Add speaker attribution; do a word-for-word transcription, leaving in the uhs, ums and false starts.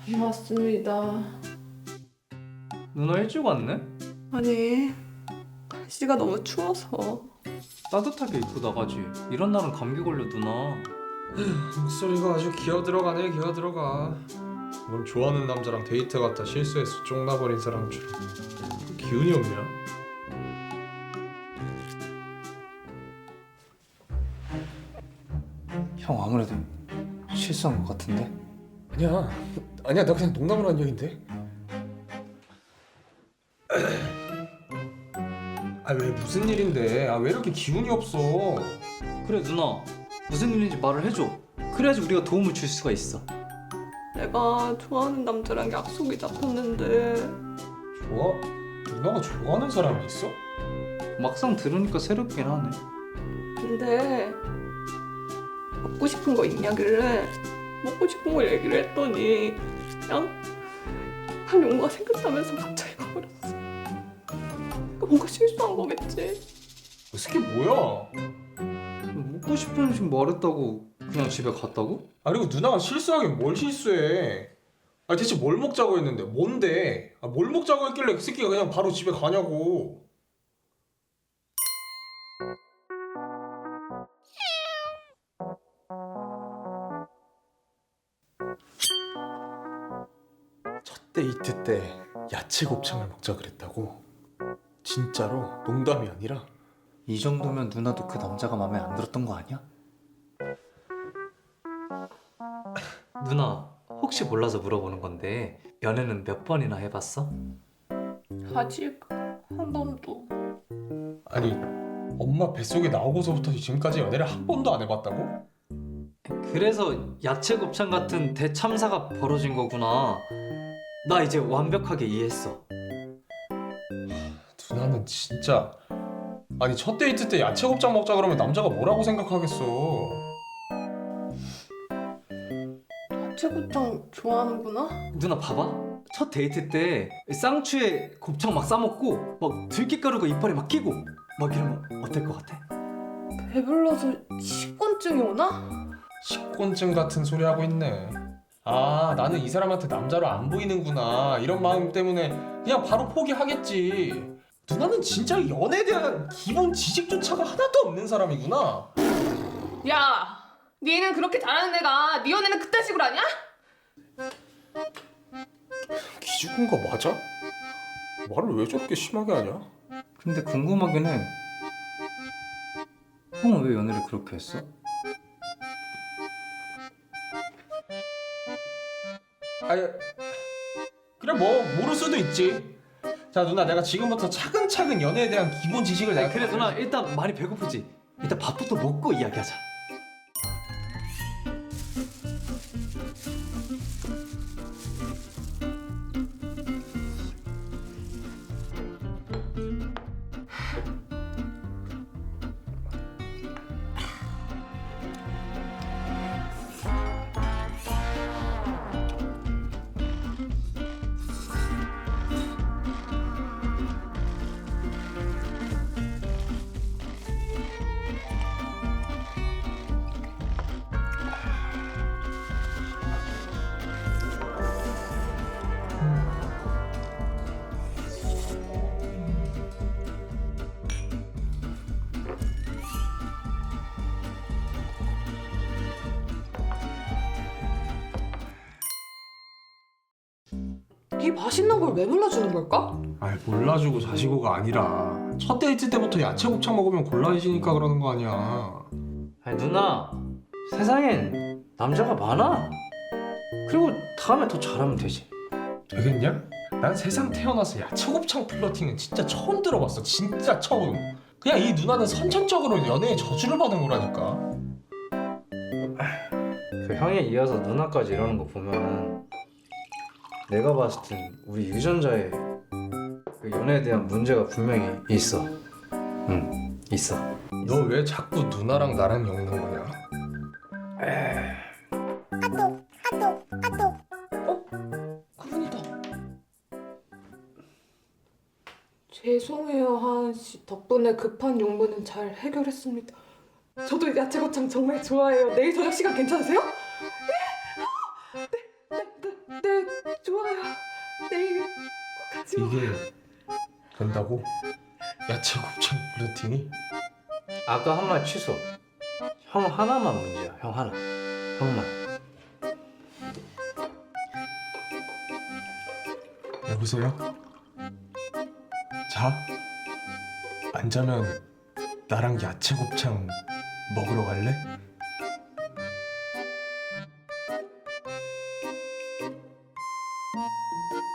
Speaker 1: 맞습니다.
Speaker 2: 누나 일찍 왔네?
Speaker 1: 아니, 날씨가 너무 추워서.
Speaker 2: 따뜻하게 입고 나가지. 이런 날은 감기 걸려 누나.
Speaker 3: 목소리가 아주 기어 들어가네. 기어 들어가. 넌 좋아하는 남자랑 데이트 갔다 실수해서 쫑나버린 사람처럼 기운이 없냐?
Speaker 2: 형 아무래도 실수한 것 같은데?
Speaker 3: 아니야. 아니야. 나 그냥 농담으로 한 얘긴데. 아 왜 무슨 일인데? 아 왜 이렇게 기운이 없어?
Speaker 2: 그래 누나 무슨 일인지 말을 해줘. 그래야지 우리가 도움을 줄 수가 있어.
Speaker 1: 내가 좋아하는 남자랑 약속이 잡혔는데
Speaker 3: 좋아? 누나가 좋아하는 사람이 있어?
Speaker 2: 막상 들으니까 새롭긴 하네.
Speaker 1: 근데 먹고 싶은 거 있냐길래 먹고 싶은 걸 얘기를 했더니 그냥 한 용어가 생각나면서 갑자기 가버렸어. 그러니까 뭔가 실수한 거겠지.
Speaker 3: 이 새끼 뭐야?
Speaker 2: 먹고 싶은 음식 말했다고 그냥 집에 갔다고?
Speaker 3: 아 그리고 누나가 실수하긴 뭘 실수해? 아 대체 뭘 먹자고 했는데 뭔데? 아, 뭘 먹자고 했길래 그 새끼가 그냥 바로 집에 가냐고? 첫 데이트 때 야채 곱창을 먹자 그랬다고? 진짜로? 농담이 아니라?
Speaker 2: 이 정도면 누나도 그 남자가 마음에 안 들었던 거 아니야? 누나 혹시 몰라서 물어보는 건데 연애는 몇 번이나 해봤어?
Speaker 1: 아직 한 번도.
Speaker 3: 아니 엄마 뱃속에 나오고서부터 지금까지 연애를 한 번도 안 해봤다고?
Speaker 2: 그래서 야채 곱창 같은 대참사가 벌어진 거구나. 나 이제 완벽하게 이해했어.
Speaker 3: 누나는 진짜 아니 첫 데이트 때 야채 곱창 먹자 그러면 남자가 뭐라고 생각하겠어?
Speaker 1: 야채고창 좋아하는구나?
Speaker 2: 누나 봐봐. 첫 데이트 때 쌍추에 곱창 막 싸먹고 막 들깨가루가 이빨에 막 끼고 막 이러면 어떨 것 같아?
Speaker 1: 배불러서 식곤증이 오나?
Speaker 3: 식곤증 같은 소리 하고 있네. 아 나는 이 사람한테 남자로 안 보이는구나 이런 마음 때문에 그냥 바로 포기하겠지. 누나는 진짜 연애에 대한 기본 지식조차가 하나도 없는 사람이구나.
Speaker 1: 야! 니는 그렇게 잘하는 애가 니 연애는 그딴 식으로 하냐?
Speaker 3: 기죽은 거 맞아? 말을 왜 저렇게 심하게 하냐?
Speaker 2: 근데 궁금하긴 해. 형은 왜 연애를 그렇게 했어?
Speaker 3: 아니 그래 뭐 모를 수도 있지. 자 누나 내가 지금부터 차근차근 연애에 대한 기본 지식을 내가
Speaker 2: 그래 누나 일단 많이 배고프지? 일단 밥부터 먹고 이야기하자.
Speaker 1: 이 맛있는 걸 왜 몰라주는 걸까?
Speaker 3: 아이 몰라주고 자시고가 아니라 첫 데이트 때부터 야채 곱창 먹으면 곤란해지니까 그러는 거 아니야.
Speaker 2: 아니 누나 세상엔 남자가 많아. 그리고 다음에 더 잘하면 되지.
Speaker 3: 되겠냐? 난 세상 태어나서 야채 곱창 플러팅은 진짜 처음 들어봤어. 진짜 처음. 그냥 이 누나는 선천적으로 연애에 저주를 받은 거라니까.
Speaker 2: 그 형에 이어서 누나까지 이러는 거 보면 내가 봤을 땐 우리 유전자에 그 연애에 대한 문제가 분명히 있어. 응, 있어.
Speaker 3: 너 왜 자꾸 누나랑 나랑 엮는 거냐?
Speaker 1: 그분이다. 죄송해요 하은 씨. 덕분에 급한 용무는 잘 해결했습니다. 저도 야채고창 정말 좋아해요. 내일 저녁 시간 괜찮으세요? 예? 네, 네, 네, 네.
Speaker 3: 이게 된다고? 야채 곱창 플러팅이?
Speaker 2: 아까 한 말 취소. 형 하나만 문제야. 형 하나. 형만.
Speaker 3: 여보세요? 자? 안 자면 나랑 야채 곱창 먹으러 갈래?